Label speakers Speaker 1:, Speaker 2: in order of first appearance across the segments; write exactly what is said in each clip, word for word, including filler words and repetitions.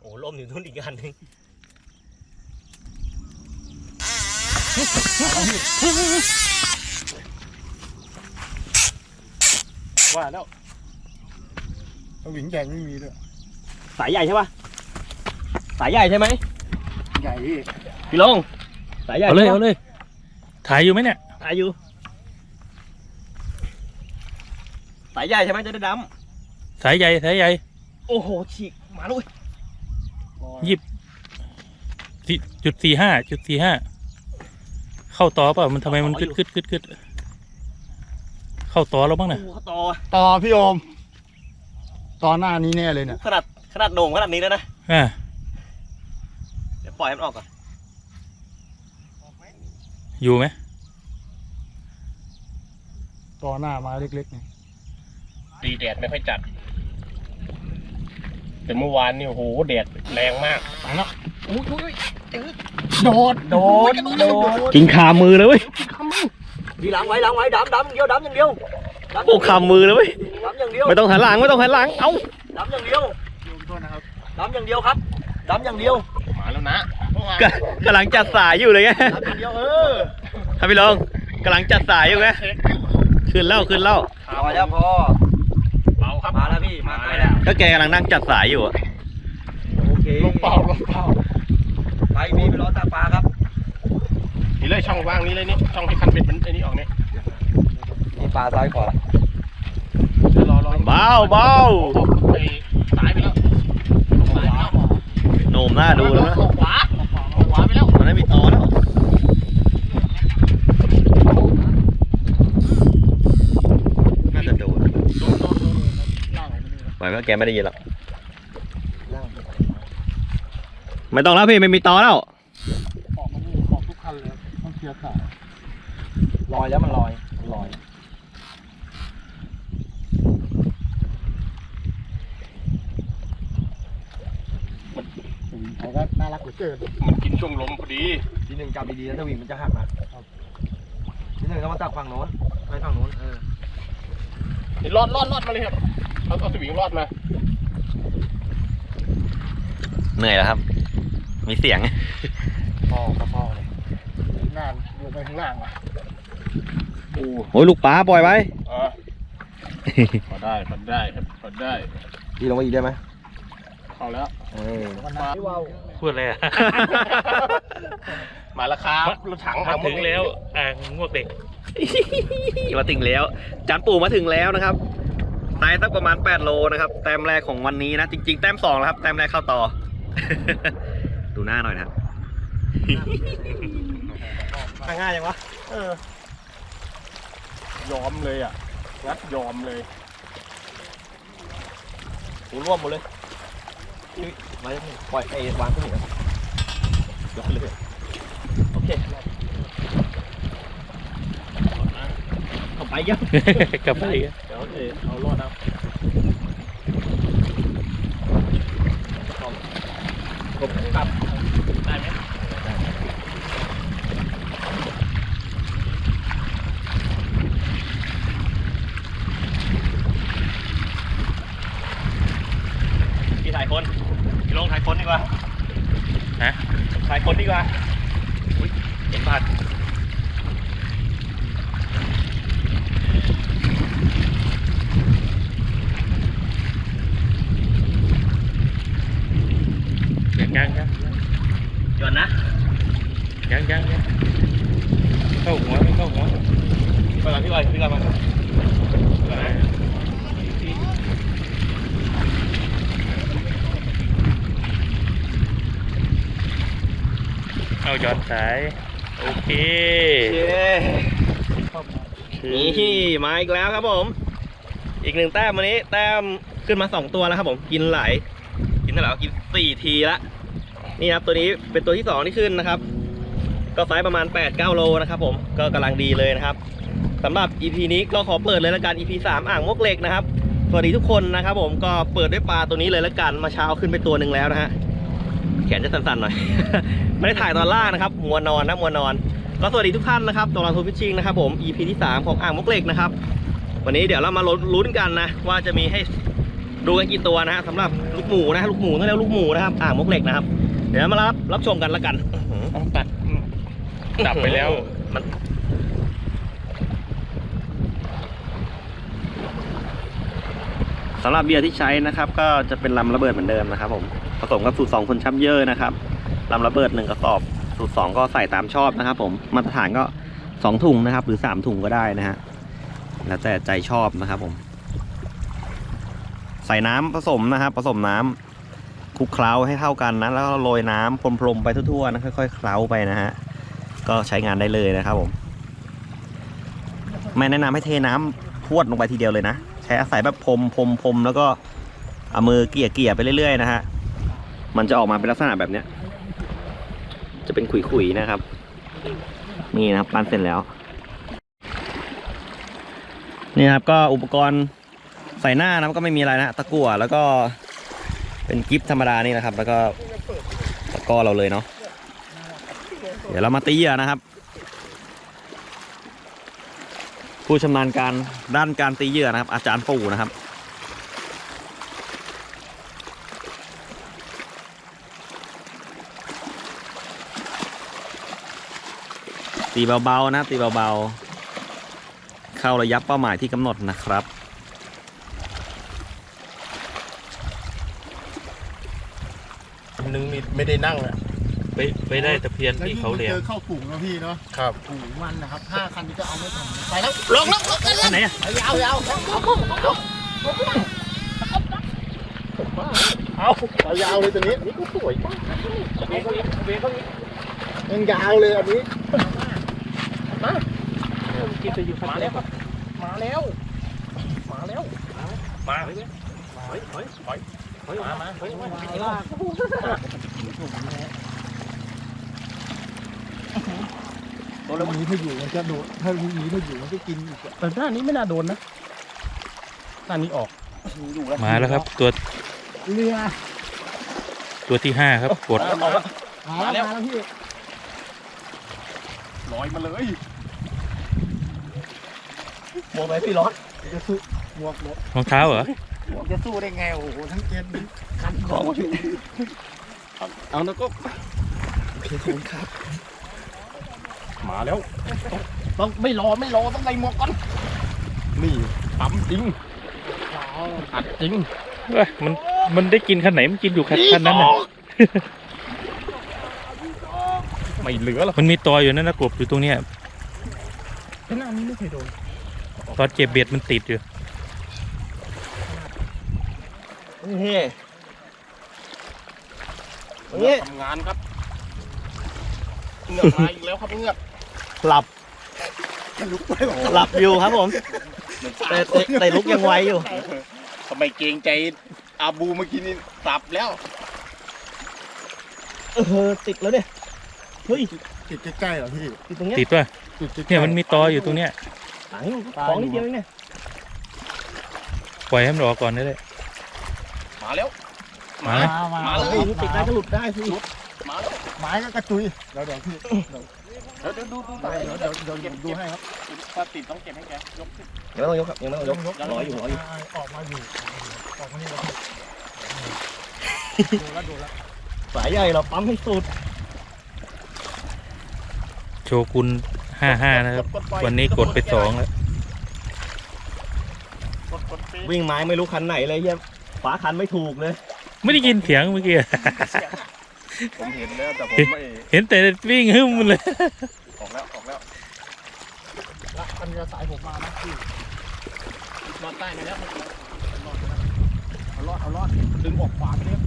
Speaker 1: โอ้ล่มอยู่ทุ่นอีกอันนึง
Speaker 2: ว่าแล้วสวิงใหญ่ไม่มีด้วย
Speaker 1: สายใหญ่ใช่ปะสายใหญ่ใช่ไหม
Speaker 2: ใหญ่พี่
Speaker 1: พี่ลงสายใหญ่
Speaker 3: เอาเลยเอาเลยถ่ายอยู่ไหมเนี่ย
Speaker 1: ถ่ายอยู่สายใหญ่ใช่ไหมจะได้ด
Speaker 3: ำสายใหญ่สายใหญ่
Speaker 1: โอ้โหฉีกมาเลย
Speaker 3: ยิบจุดสี่ห้าจุดสี่ห้าเข้าต่อเปล่ามันทำไมมันกึดกึดกึดกึดเข้าต่อแล้วบ้างนะ
Speaker 1: ต่อ
Speaker 2: ต่อพี่โอมต่อหน้านี้แน่เลยเนี่ย
Speaker 1: ขนาดขนาดโด่งขนาดนี้แล้วนะ
Speaker 3: อ่า
Speaker 1: เดี๋ยวปล่อยมันออกก่อน
Speaker 3: อยู่ไหม
Speaker 2: ต่อหน้ามาเล็กๆเนี่ย
Speaker 4: ดีแดดไม่ค่อยจัดแต่เมื่อวานนี่โอ้โหแดดแรงมาก
Speaker 2: ไปแล้ว
Speaker 4: โดดโดดโดด
Speaker 3: กินขามือเลยเว้ย
Speaker 1: ดีหลังไว้หลังไว้ดำดำอย่างเดียวดำอย่างเดียว
Speaker 3: โอ้ขามือเลยเว้ย
Speaker 1: ดำอย่างเดียว
Speaker 3: ไม่ต้องหันหลังไม่ต้องหันหลังเอ้า
Speaker 1: ดำอย่างเดียวดำอย่างเดียวครับดำอย่างเดียว
Speaker 4: มาแล้วนะ
Speaker 3: กำลังจัดสายอยู่เลยไง
Speaker 1: ดำอย่างเดียวเออ
Speaker 3: ครับพี่ลงกำลังจัดสายอยู่ไงขึ้นเล่าขึ้นเล่า
Speaker 1: พอแล้วพอ
Speaker 4: เบาครับ
Speaker 1: มาแล้วพี่มาแล้ว
Speaker 3: ก็แกกำลังนั่งจัดสายอยู่
Speaker 1: โอเค
Speaker 2: ลงเปล่าลงเปล่า
Speaker 1: ไปพี่ไปรอตาปลาครับ
Speaker 4: นี่เลยช่องว่างนี้เลยนี่ช่องที่คันเบ็ดมันไอ้นี่ออกนี่
Speaker 1: นี่ปลาซ้ายขวาร
Speaker 4: อรอ
Speaker 3: เบาเบา
Speaker 4: ไปสายไปแล้วสายแล้ว
Speaker 3: โหน่มหน้าดูแล้วนะ
Speaker 4: ขวาขวาไปแล้ว
Speaker 3: มันไม่มีต่อแล้วน่าจะโดนหมายว่าแกไม่ได้ยินหรอกไม่ต้องแล้วพี่ไม่มีต่อแล้ว
Speaker 2: ออกมาดูออกทุกคันเลยต้องเคลียร์ขา
Speaker 1: ลอยแล้วมันลอยลอย
Speaker 2: เขาก็น่ารักเหลือเกิน
Speaker 4: มันกินช่วงลมพอดี
Speaker 1: ทีหนึ่งจับดีๆแล้วถ้าวิ่งมันจะหักนะทีหนึ่งก็มาตักฝั่งโน้นไปฝั่งโน้นเออ
Speaker 4: นี่รอดรอดรอดมาเลยครับเอาเอาสวิงรอดมา
Speaker 3: เหนื่อยแล้วครับมีเสียง
Speaker 2: พ่อกับพ่อเลยงานลงไปข้างล่างอ่ะ
Speaker 3: โอ้ยลูกปลาปล่อยไว้
Speaker 4: พอได้พอได้ครับพอได้
Speaker 1: พี่ลงมาอีกได้ไหม
Speaker 4: เข้าแล้ว
Speaker 1: เออ
Speaker 3: พูดอะไรอ่ะ
Speaker 4: มาแล้วครับรถถัง
Speaker 3: มาถึงแล้วอ่างงวกเด็กมาถึงแล้วจานปู่มาถึงแล้วนะครับไซส์สักประมาณแปดโลนะครับแต้มแรกของวันนี้นะจริงๆแต้มสองแล้วครับแต้มแรกเข้าต่อดูหน้าหน่อยนะครับ
Speaker 1: ง่ายยังวะ
Speaker 4: เออยอมเลยอ่ะงัดยอมเลย
Speaker 1: หูร่วมหมดเลยไว้ปล่อยไอ้วางขึ้นอีกยกเลยโอเคกลับไปยัง
Speaker 3: กลับไปเ
Speaker 4: ดี๋ยวเอารอดเอา
Speaker 1: ผมกลับได้ไหมพี่ถ่ายคนพี่ลงถ่ายคนดีกว่า
Speaker 3: ฮะ
Speaker 1: ถ่ายคนดีกว่าอุ้ยเห็นบาด
Speaker 3: ยังยังยัง
Speaker 1: จวนนะ
Speaker 3: ยังยังยังเข้าหัวไม่เข้าหัว
Speaker 1: ไปก่อนพี่บอยพี่ก่อนมา
Speaker 3: เอาย้อนสายโอเค
Speaker 1: นี่มาอีกแล้วครับผมอีกหนึ่งแต้มวันนี้แต้มขึ้นมาสองตัวแล้วครับผมกินหลายกินเท่าไหร่กินสี่ทีละนี่ครับตัวนี้เป็นตัวที่สองที่ขึ้นนะครับก็ไซส์ประมาณ แปดเก้า โลนะครับผมก็กำลังดีเลยนะครับสำหรับ อี พี นี้ก็ขอเปิดเลยละกัน อี พี สามอ่างมวกเหล็กนะครับสวัสดีทุกคนนะครับผมก็เปิดด้วยปลาตัวนี้เลยละกันมาเช้าขึ้นไปตัวหนึ่งแล้วนะฮะแขนจะสั่นๆหน่อย ไม่ได้ถ่ายตอนล่างนะครับมัวนอนนะมัวนอนก็สวัสดีทุกท่านนะครับตอนเราทูฟิชชิ่งนะครับผม อี พี ที่สามของอ่างมวกเหล็กนะครับวันนี้เดี๋ยวเรามาลุ้นกันนะว่าจะมีให้ดูกันกี่ตัวนะฮะสำหรับลูกหมูนะลูกหมูต้องเรียกลูกหมูนะครับอ่างมกเหล็กนะครับเดี๋ยวมารับรับชมกันละกัน
Speaker 4: ต้องตัดดับไปแล้ว
Speaker 1: มัน สำหรับเบียร์ที่ใช้นะครับก็จะเป็นลำระเบิดเหมือนเดิมนะครับผมผสมกับสูตรสองคนชับเยอะนะครับลำระเบิดหนึ่งกระสอบสูตรสองก็ใส่ตามชอบนะครับผมมาตรฐานก็สองถุงนะครับหรือสามถุงก็ได้นะฮะแล้วแต่ใจชอบนะครับผมใส่น้ำผสมนะครับผสมน้ำคลุกเคล้าให้เท่ากันนะแล้วก็โรยน้ำพรมๆไปทั่วๆนะค่อยๆเคล้าไปนะฮะก็ใช้งานได้เลยนะครับผมไม่แนะนำให้เทน้ำพรวดลงไปทีเดียวเลยนะใช้อาศัยแบบพรมพรมพรมแล้วก็เอามือเกี่ยเกี่ยไปเรื่อยๆนะฮะมันจะออกมาเป็นลักษณะแบบเนี้ยจะเป็นขุยๆนะครับนี่นะครับปั้นเสร็จแล้วนี่ครับก็อุปกรณ์ใส่หน้านะก็ไม่มีอะไรนะตะกั่วแล้วก็เป็นกิฟธรรมดานี่นะครับแล้วก็ตะกร้อเราเลยเนาะเดี๋ยวเรามาตีเหยื่อนะครับผู้ชำนาญการด้านการตีเหยื่อนะครับอาจารย์ปู่นะครับตีเบาๆนะตีเบาๆเข้าระยะเป้าหมายที่กำหนดนะครับ
Speaker 4: นึงไม่ได้นั่งอ่ะไปไปได้ตะเพียน
Speaker 2: แล้ว
Speaker 4: ที่
Speaker 2: ยิ่ง
Speaker 4: เขา
Speaker 2: มัน
Speaker 4: เลี้ย
Speaker 2: เจ
Speaker 4: ง
Speaker 2: อเข้าฝูงแล้วพี่เนาะ
Speaker 4: ครับ
Speaker 2: ฝูงมันนะครับห้าคันนี้ก็เอาไม่ทันไปแล้วลงลงลง
Speaker 1: อันไหนอะ
Speaker 2: ยาวยาวเอาเอายาวเลยตัวนี้นี่ก็สวยมากยังยาวเลยอันนี้
Speaker 4: กินจะอยู่มาแล้วครับมาแล้วมาแล้วมาเฮ้ยเฮ้ยเฮ้ยเฮ้ยเฮ้ยมามาเฮ้ย
Speaker 2: ตัวนี้ถ้าอยู่มันจะโดนถ้านี้ถ้าอยู่มันก็กินอีก
Speaker 4: แต่ด้านนี้ไม่น่าโดนนะด้านนี้ออก
Speaker 5: มาแล้วครับตัว
Speaker 2: เรือ
Speaker 5: ตัวที่ห้าครับกด
Speaker 2: มาแล้วมาแล้วพี่
Speaker 4: ลอยมาเลย
Speaker 1: หมวกไหนพี่ร้อน
Speaker 2: จะสู้หมวกหมวก
Speaker 5: รองเท้าเหรอ
Speaker 2: หมวกจะสู้ได้ไงโอ้โหทั้งเกณฑ์คัน
Speaker 1: ของพี่
Speaker 4: เอาแล้วก็
Speaker 2: เพชรคุณครับ
Speaker 4: มาแล้วต้องไม่รอไม่รอต้องใส่หมวกก่อนนี่ปั๊มจริงอัดจริง
Speaker 5: เอ้ยมันมันได้กินคันไหนมันกินอยู่คันคันนั้นน่ะ
Speaker 4: ไม่เหลือหรอก
Speaker 5: มันมีตัวอยู่นั่นนะกบอยู่ตรงเนี้ย
Speaker 2: หน้านี้ไม่เคยโดน
Speaker 5: ตอนเจ็บเบ็ดมันติดอยู่
Speaker 1: นี่นี่
Speaker 4: ทำงานครับเงือกมาอีกแล้วครับเงือก
Speaker 1: หลับ
Speaker 2: ลุกไปหรอ
Speaker 1: หลับอยู่ครับผมแต่แต่แต่ลุกยังไวอยู่
Speaker 4: ทำไมเกรงใจอาบูเมื่อกี้นี่สับแล้ว
Speaker 1: เออติดแล้วเนี่ยเฮ้ย
Speaker 2: ติดใกล้ๆเหรอพี่
Speaker 1: ติดตรงเนี้ย
Speaker 5: ติดป่ะ
Speaker 2: ติดใกล้ๆ
Speaker 5: เนี่ยมันมีตออยู่ตรงเนี้ย
Speaker 1: หลังของนิดเดียวเองเนี่ย
Speaker 5: ปล่อยให้มันออกก่อนได้เลย
Speaker 4: มาแล้ว
Speaker 5: มา
Speaker 2: มามา
Speaker 4: มาเลย
Speaker 1: เฮ้ยติดได้ก็หลุดได้สิ
Speaker 4: มาแล้ว
Speaker 2: ไม้ก็กระจุยเดี๋ยวเดี๋ยวพี่
Speaker 4: เดี๋ยวเดี๋ยวดูดู
Speaker 2: เดี๋ยวเดี๋ยวเดี๋ยวเดี๋ยวดูให้ครับ
Speaker 4: ถ้าติดต้องเก็บให้แกยกขึ้น
Speaker 1: ยังไม่ต้องยกครับยังไม่ต้องยกรออยู่รออยู่
Speaker 2: ออกมาอยู่ออกมานี่แล้วดูแล้วดูแล้ว
Speaker 1: สายใหญ่เราปั๊มให้สุด
Speaker 5: โชกุนห้าห้านะครับ วันนี้กดไปสองแล้ว
Speaker 4: กดกดปี
Speaker 1: วิ่งไม้ไม่รู้คันไหนเลยเฮียขวาคันไม่ถูกเลย
Speaker 5: ไม่ได้ยินเสียงเมื่อกี้
Speaker 4: ผมเห็นแล้วแต่ผมไม่
Speaker 5: เห็นแต่วิ่งหึ่มเลย
Speaker 4: ออกแล้วออกแล้ว
Speaker 2: ละมันจะสายผมมานะพี่
Speaker 4: รอดใต้มาแล้วเอารอดเอารอดดึงออกขวาไปเลย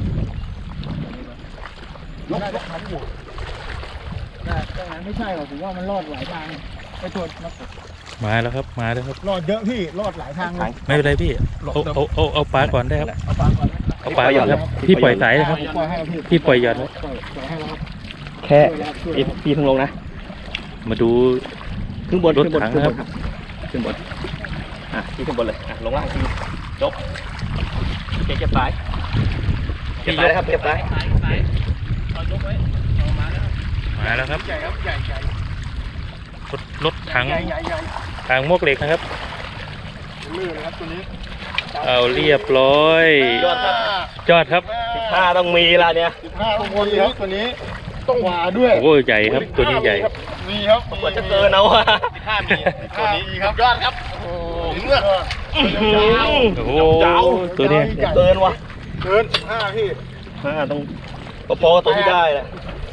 Speaker 2: ยกยกขันอยู่แต่ตรงนั้นไม่ใช่หรอกผมว่ามันรอดหลายทางไปตรวจมา
Speaker 5: มาแล้วครับมาแล้วครับ
Speaker 2: รอดเยอะพี่รอดหลายทางเลย
Speaker 5: ไม่เป็นไรพี่เอาเอาเอาเอาปลาก่อนได้ครับ
Speaker 2: เอาปลาก่อนนะ
Speaker 5: เอาปลาก่อนครับพี่ปล่อยสายเลยครับ
Speaker 2: ผมปล่อยให้แล้วพี่
Speaker 5: พี่ปล่อยหย่อนไว้
Speaker 2: ปล่อยปล่อยให้แล้วครับ
Speaker 1: แค่
Speaker 2: ช่วยแล้วช่วย
Speaker 1: พี่
Speaker 2: แล้ว
Speaker 1: พี่เพิ่งลงนะ
Speaker 5: มาดู
Speaker 1: ขึ้นบน
Speaker 5: รถ
Speaker 1: ขึ้นบน
Speaker 5: ถัง
Speaker 1: ขึ้น
Speaker 5: นะครับ
Speaker 1: บนครับขึ้นบนอ่ะพี่ขึ้นบนเลยอ่ะลงล่างทีจบเก็บเก็บสายเก็บสายนะครับเก็บสาย
Speaker 4: สายสายเอายกไว้เอามาแล้ว
Speaker 5: มาแล้วครับ
Speaker 4: ใหญ่ครับใหญ่ใหญ่
Speaker 5: รถรถถัง
Speaker 4: ใหญ่ใหญ่ใหญ่
Speaker 5: ทางมวกเหล็กนะครับ
Speaker 4: ลื่นเลยครับตัวนี้
Speaker 5: เอาเรียบร้อย
Speaker 1: ยอดครับ
Speaker 5: ยอดครับ
Speaker 1: สิบห้าต้องมีละเนี่ย
Speaker 4: สิบห้าทุกคนครับตัวนี้ต้องหวาด้วย
Speaker 5: โอ้ใหญ่ครับ ตัวนี้ใหญ่
Speaker 4: มีครับ
Speaker 1: กว่าจะเกินเอาอะ
Speaker 4: สิบห้ามีตัวนี้ครับยอดครับโอ้เลือด
Speaker 5: โอ้โหตัวเนี้ย
Speaker 1: เกินวะ
Speaker 4: เกินสิบห้าพี่
Speaker 1: ห้าต้องพอๆกับตัวที่ได้แหละ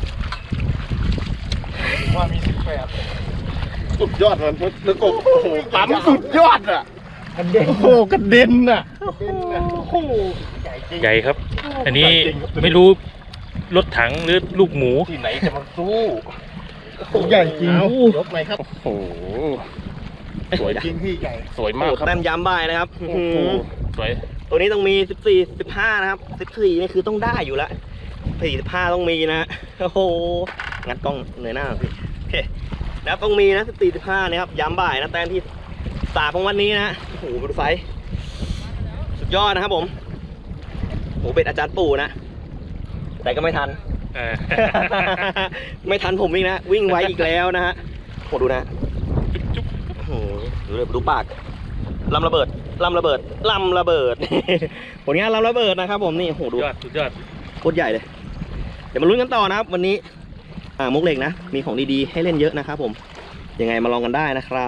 Speaker 4: ว่ามีสิบแปดสุดยอดมันแล้วก็โอ้โหปั๊มสุดยอดอ่ะกระเด็นโอ้โหกระเด็นอ่ะโอ้โห
Speaker 5: ใหญ่ครับ อันนี้ไม่รู้รถถังหรือลูกหมู
Speaker 4: ที่ไหนจะมาสู้ใหญ่จริงยกไหมครับโอ้โหสวยจริงพี่ใหญ่สวยมากครับ
Speaker 1: แต้มย้ำบ่ายนะครับ
Speaker 4: โอ้โหสวย
Speaker 1: ตัวนี้ต้องมีสิบสี่ สิบห้านะครับสิบสี่นี่คือต้องได้อยู่แล้วสี่สิบห้าต้องมีนะโอ้โหงัดกล้องเหนื่อยหน้าพี่โอเคแล้วต้องมีนะสิบสี่ สิบห้านะครับย้ำบ่ายนะแต้มที่สามของวันนี้นะโอ้โหดูไซส์สุดยอดนะครับผมโอ้โหเป็นอาจารย์ปู่นะแต่ก็ไม่ทัน
Speaker 5: เออ
Speaker 1: ไม่ทันผมอีกนะ วิ่งไวอีกแล้วนะฮะโหดูนะโอ้โหดูเลยดูปากลำระเบิดลำระเบิดลำระเบิด ผลงานลำระเบิดนะครับผมนี่โอ้โหดู
Speaker 5: ยอดสุดยอด
Speaker 1: โคตรใหญ่เลย เดี๋ยวมาลุ้นกันต่อนะครับ วันนี้อ่ามุกเหล็กนะ มีของดีๆให้เล่นเยอะนะครับผมยังไงมาลองกันได้นะครับ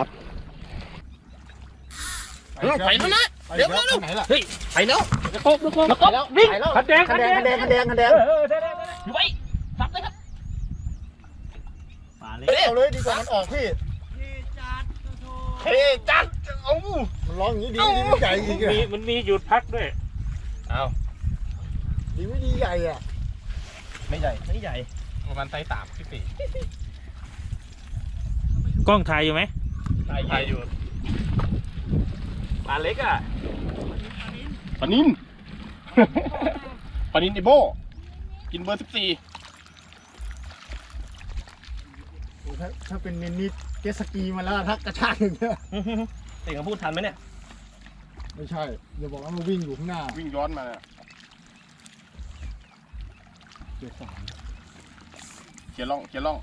Speaker 4: ไปแล้วนะเดี๋ยวแล้วไหนล่ะ
Speaker 1: ไปแล้ว
Speaker 5: แล้วก็แล้วก็
Speaker 4: วิ่งขั
Speaker 5: ขั
Speaker 4: ด
Speaker 5: ดแดงขัดแดงขัดแดงขัดแดงขัดแดง
Speaker 1: อยู่ไว้สับเลยครับปลาเล็ก
Speaker 4: เอาเลยดีกว่ามันออกพี่เฮ้จัดเอ้ามันร้องอย่างนี้ดีดีไม่ใหญ่อีก
Speaker 5: มี
Speaker 4: อ่ะ
Speaker 5: มันมีหยุดพักด้วย
Speaker 4: ดีไม่ดีใหญ่อ่ะ
Speaker 1: ไม่ใหญ่ไม่ใหญ่
Speaker 4: ประมาณไซส์สามสิบสี่
Speaker 5: กล้องถ่ายอยู่ไหม
Speaker 1: ถ่ายอยู่ปลาเล็กอ่ะ
Speaker 4: ปานินปานินไอโบกินเบอร์สิบสี่ถ้าถ้าเป็นนินนิดเจตสกีมาแล้วทักกระชากอย่างเงี้ย
Speaker 1: เด็กเขาพูดทันไหมเนี่ย
Speaker 4: ไม่ใช่อย่าบอกว่ามันวิ่งอยู่ข้างหน้าวิ่งย้อนมาเกียร์สามเกียร์ล่องเกียร์ล่อง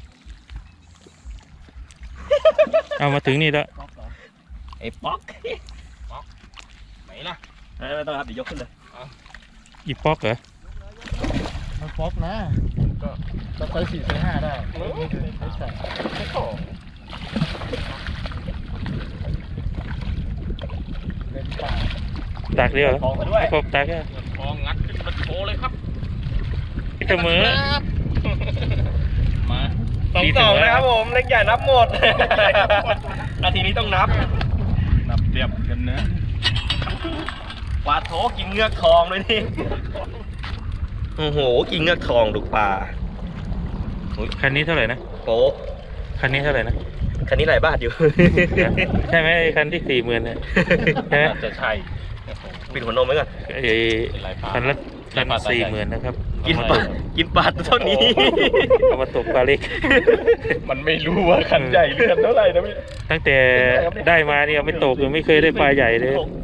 Speaker 5: เอามาถึงนี่แล้ว
Speaker 1: ไอ้ป๊อก
Speaker 4: ไหนล่ะ
Speaker 1: ไม่ไม่ต้องครับเดี๋ยวยกขึ้นเลย
Speaker 5: อีป๊อกเหรอ
Speaker 4: มันฟอกนะก็ก็ไซส์สี่ไซส์ห้าได้ไม่ถึงไซส์สามเล่นป่า
Speaker 5: ตากเดียวเหรอ
Speaker 1: ฟองมาด้วย
Speaker 5: พบตากแค่
Speaker 4: ฟองงัดขึ้นมาโชว์เลยครับ
Speaker 5: เสมอ
Speaker 4: มา
Speaker 1: สองสองนะครับผมเล็กใหญ่นับหมด นาทีนี้ต้องนับ
Speaker 4: นับเรียบกันนะ
Speaker 1: ปลาโถกินเงือกทองเลยนี่ โอ้โห กินเงือกทองดูปลา
Speaker 5: คันนี้เท่าไหร่นะ
Speaker 1: โป๊ะ
Speaker 5: คันนี้เท่าไหร่นะ
Speaker 1: คันนี้หลายบาทอยู่
Speaker 5: ใช่ไหมไอ้คันที่สี่หมื่นเนี่ยใช่ไหม
Speaker 4: จะใช่
Speaker 1: ปิดหัวนมไว้ก่อน
Speaker 5: ไอ้คันละคันสี่หมื่นนะครับ
Speaker 1: กินปลา กินปลาเท่านี้
Speaker 5: เอามาตกปลาเล็ก
Speaker 4: มันไม่รู้ว่าคันใหญ่หรือคันเท่าไหร่นะพี่
Speaker 5: ตั้งแต่ได้มาเนี่ยไม่ตกเลยไม่เคยได้ปลาใหญ่เลย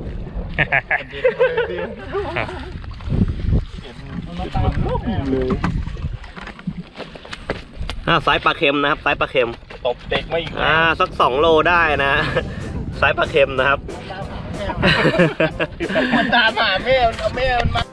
Speaker 1: อ่าไซส์ปลาเค็มนะครับไซส์ปลาเค็ม
Speaker 4: ตบเด็กไม่อีก
Speaker 1: อ่าสักสองโลได้นะ ไซส์ปลาเค็มนะครับ
Speaker 4: มันตามหาแม่เอาแม่มันมา